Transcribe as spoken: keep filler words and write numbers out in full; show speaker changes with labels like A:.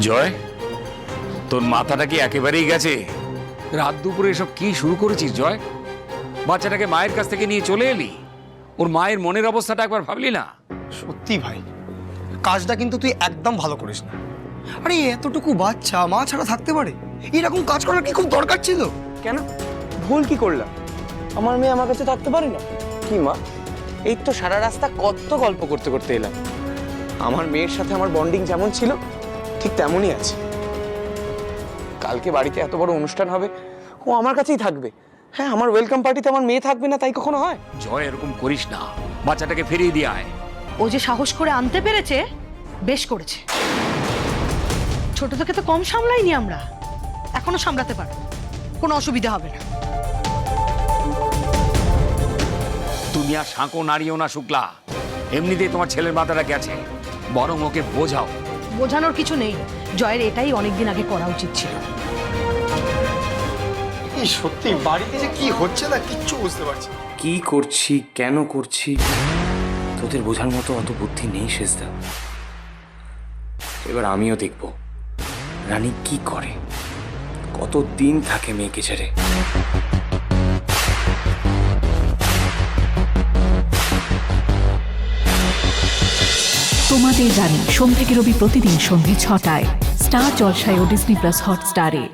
A: জয়, তোর মাথাটা কি একেবারেই গেছে? রাত দুপুরে এসব কি শুরু করেছিস জয়? বাচ্চাটাকে মায়ের কাছ থেকে নিয়ে চলে এলি, ওর মায়ের মনের অবস্থাটা একবার ভাবলি না?
B: সত্যি ভাই, কাজটা কিন্তু তুই একদম ভালো করিস না। আরে এতটুকু বাচ্চা মা ছাড়া থাকতে পারে? এরকম কাজ করার কি খুব দরকার ছিল?
C: কেন ভুল কি করলাম? আমার মেয়ে আমার কাছে থাকতে পারে না? কি মা, এই তো সারা রাস্তা কত গল্প করতে করতে এলাম। আমার মেয়ের সাথে আমার বন্ডিং যেমন ছিল ঠিক তেমনই আছে। কালকে বাড়িতে এত বড় অনুষ্ঠান হবে, ও আমার কাছেই থাকবে। হ্যাঁ, আমার ওয়েলকাম পার্টিতে আমার মেয়ে থাকবে না তাই কখনো হয়?
A: জয়, এরকম করিস না, বাচ্চাটাকে ফিরিয়ে দিয়ে আয়।
D: ও যে সাহস করে আনতে পেরেছে, বেশ করেছে। ছোট থেকে তো কম সামলাইনি আমরা, এখনো সামলাতে পারো, কোনো অসুবিধা হবে না।
A: তুমি আর সাঁকো নাড়িও না শুক্লা, এমনিতেই তোমার ছেলের মাথাটা গেছে, বরং ওকে বোঝাও।
D: বোঝানোর কিছু নেই, জয়ের এটাই অনেকদিন আগে করা উচিত ছিল।
B: এই সত্যি বাড়িতে যে কি হচ্ছে না কিচ্ছু বুঝতে পারছি না।
C: কি করছি, কেন করছি, তোদের বোঝার মতো অত বুদ্ধি নেই শেষদা। এবার আমিও দেখব রানী কি করে, কতদিন থাকে মেয়েকে ছেড়ে।
E: তোমাদের রানী সোম থেকে রবি প্রতিদিন সন্ধ্যে ছটায় স্টার জলসায় ও ডিজনি প্লাস হটস্টারে।